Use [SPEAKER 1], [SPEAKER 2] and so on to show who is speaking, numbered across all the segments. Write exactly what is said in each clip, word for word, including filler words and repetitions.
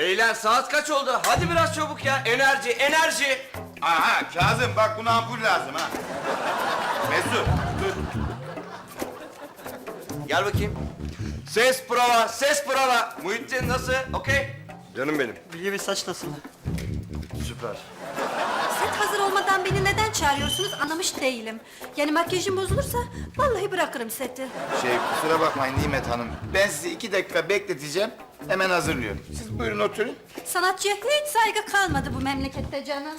[SPEAKER 1] Beyler saat kaç oldu? Hadi biraz çabuk ya. Enerji, enerji.
[SPEAKER 2] Aha Kazım bak buna ampul lazım ha. Mesut dur.
[SPEAKER 1] Gel bakayım. Ses prova, ses prova. Muhittin nasıl? Okey.
[SPEAKER 3] Canım benim.
[SPEAKER 4] Bilge Bey saç nasıl?
[SPEAKER 3] Süper.
[SPEAKER 5] Set hazır olmadan beni neden çağırıyorsunuz anlamış değilim. Yani makyajım bozulursa vallahi bırakırım seti.
[SPEAKER 2] Şey kusura bakmayın Nimet Hanım. Ben sizi iki dakika bekleteceğim. Hemen hazırlıyorum. Siz buyurun oturun.
[SPEAKER 5] Sanatçıya hiç saygı kalmadı bu memlekette canım.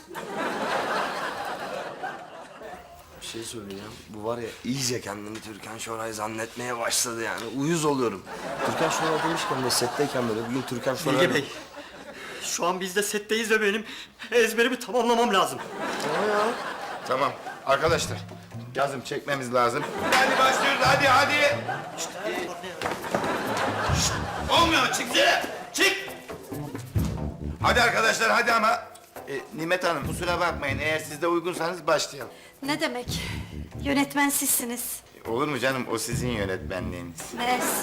[SPEAKER 1] Bir şey söyleyeceğim. Bu var ya iyice kendini Türkan Şoray zannetmeye başladı yani. Uyuz oluyorum. Türkan Şoray demişken de setteyken böyle bugün Türkan Şoray...
[SPEAKER 4] Bilge Bey. Şu an biz de setteyiz ve benim ezberimi tamamlamam lazım.
[SPEAKER 2] Tamam arkadaşlar. Kazım çekmemiz lazım. Hadi başlıyoruz hadi hadi. Şşt, e, şşt, olmuyor çıksana. Çık. Hadi arkadaşlar hadi ama. E, Nimet Hanım kusura bakmayın eğer siz de uygunsanız başlayalım.
[SPEAKER 5] Ne demek? Yönetmen sizsiniz.
[SPEAKER 2] Olur mu canım o sizin yönetmenliğiniz.
[SPEAKER 5] Mersi.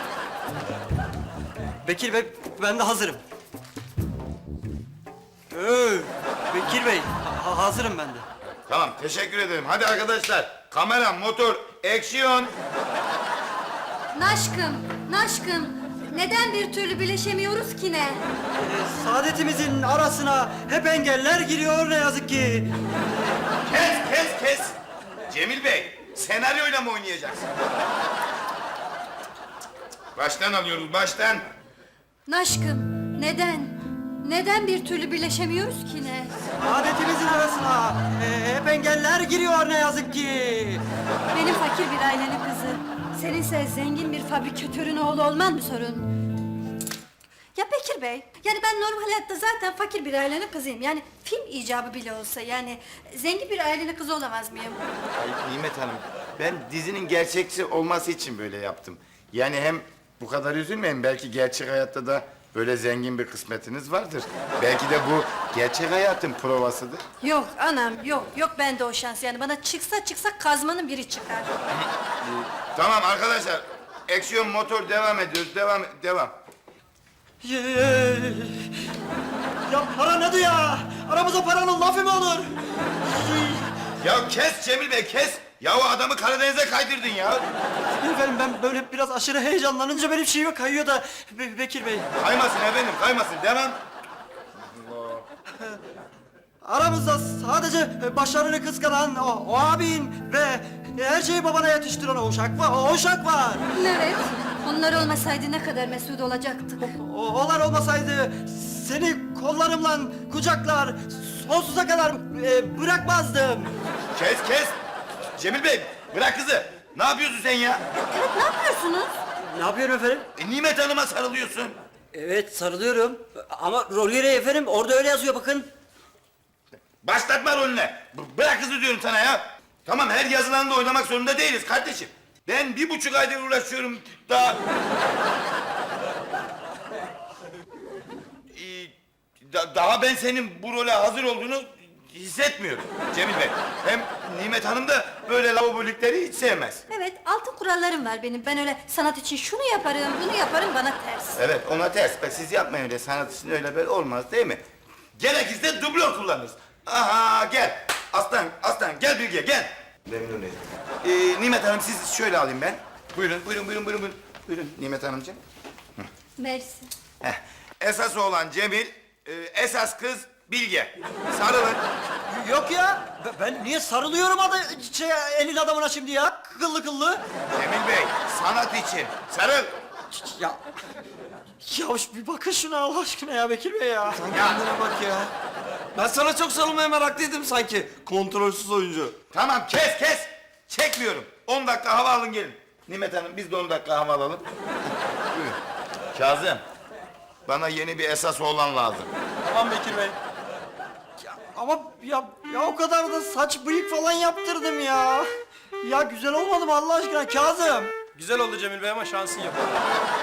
[SPEAKER 4] Bekir Bey, ben de hazırım. Ee, Bekir Bey, ha- hazırım ben de.
[SPEAKER 2] Tamam teşekkür ederim. Hadi arkadaşlar kamera motor action.
[SPEAKER 5] Naşkım, naşkım. Neden bir türlü birleşemiyoruz ki ne?
[SPEAKER 4] Ee, saadetimizin arasına hep engeller giriyor ne yazık ki.
[SPEAKER 2] Kes kes kes. Cemil Bey senaryoyla mı oynayacaksın? Baştan alıyoruz baştan.
[SPEAKER 5] Naşkım, neden? Neden bir türlü birleşemiyoruz ki ne?
[SPEAKER 4] Saadetimizin arasına e, hep engeller giriyor ne yazık ki.
[SPEAKER 5] Benim fakir bir ailenin kızı. Seninse zengin bir fabrikatörün oğlu olman mı sorun? Ya Bekir Bey, yani ben normal hayatta zaten fakir bir ailenin kızıyım. Yani film icabı bile olsa yani zengin bir ailenin kızı olamaz mıyım?
[SPEAKER 2] Ay Nimet Hanım ben dizinin gerçekçi olması için böyle yaptım. Yani hem bu kadar üzülmeyin belki gerçek hayatta da böyle zengin bir kısmetiniz vardır. Belki de bu gerçek hayatın provasıdır.
[SPEAKER 5] Yok anam, yok, yok bende o şans. Yani bana çıksa çıksa kazmanın biri çıkar.
[SPEAKER 2] Tamam arkadaşlar aksiyon motor devam ediyoruz devam devam.
[SPEAKER 4] Ye- Ya para nedir ya? Aramıza paranın lafı mı olur?
[SPEAKER 2] Ya kes Cemil Bey kes. Ya o adamı Karadeniz'e kaydırdın ya.
[SPEAKER 4] Efendim ben böyle biraz aşırı heyecanlanınca benim şeyime kayıyor da Be- Bekir Bey.
[SPEAKER 2] Kaymasın efendim kaymasın devam.
[SPEAKER 4] Aramızda sadece başarını kıskanan o, o abin ve her şeyi babana yetiştiren o uşak var. O uşak var.
[SPEAKER 5] Evet, onlar olmasaydı ne kadar mesut olacaktık.
[SPEAKER 4] O, onlar olmasaydı seni kollarımla kucaklar sonsuza kadar e, bırakmazdım.
[SPEAKER 2] Kes kes. Cemil Bey bırak kızı. Ne yapıyorsun sen ya?
[SPEAKER 5] Evet, ne yapıyorsunuz?
[SPEAKER 4] Ne yapıyorum efendim?
[SPEAKER 2] E, Nimet Hanım'a sarılıyorsun.
[SPEAKER 4] Evet sarılıyorum ama rol gereği efendim orada öyle yazıyor bakın.
[SPEAKER 2] Başlatma rolüne. B- bırak kızı diyorum sana ya. Tamam her yazılanda oynamak zorunda değiliz kardeşim. Ben bir buçuk aydır uğraşıyorum daha... Ee, da- daha ben senin bu role hazır olduğunu hissetmiyorum Cemil Bey. Hem Nimet Hanım da böyle lavabolikleri hiç sevmez.
[SPEAKER 5] Evet, altın kurallarım var benim. Ben öyle sanat için şunu yaparım, bunu yaparım, bana ters.
[SPEAKER 2] Evet ona ters. Bak siz yapmayın öyle sanat için öyle böyle olmaz değil mi? Gerekirse dublör kullanırız. Aha gel. Aslan aslan gel Bilge gel. Memnun ederim. Ee, Nimet Hanım siz şöyle alayım ben. Buyurun buyurun buyurun buyurun. Buyurun, buyurun Nimet Hanımcığım.
[SPEAKER 5] Mersi.
[SPEAKER 2] Heh. Esas olan Cemil, e, esas kız Bilge. Sarılın.
[SPEAKER 4] Yok ya ben- ben niye sarılıyorum adı şey, elin adamına şimdi ya kıllı kıllı.
[SPEAKER 2] Cemil Bey sanat için sarıl.
[SPEAKER 4] Ya ya bir bakın şuna Allah aşkına ya Bekir Bey ya.
[SPEAKER 1] Sen kendine bak ya. Ben sana çok sarılmaya meraklıydım sanki. Kontrolsüz oyuncu.
[SPEAKER 2] Tamam kes kes. Çekmiyorum. On dakika hava alın gelin. Nimet Hanım biz de on dakika hava alalım. Buyurun. Kazım. Bana yeni bir esas oğlan lazım.
[SPEAKER 4] Tamam Bekir Bey. Ya, ama ya ya o kadar da saç bıyık falan yaptırdım ya. Ya güzel olmadı mı Allah aşkına Kazım?
[SPEAKER 3] Güzel oldu Cemil Bey ama şansın yok.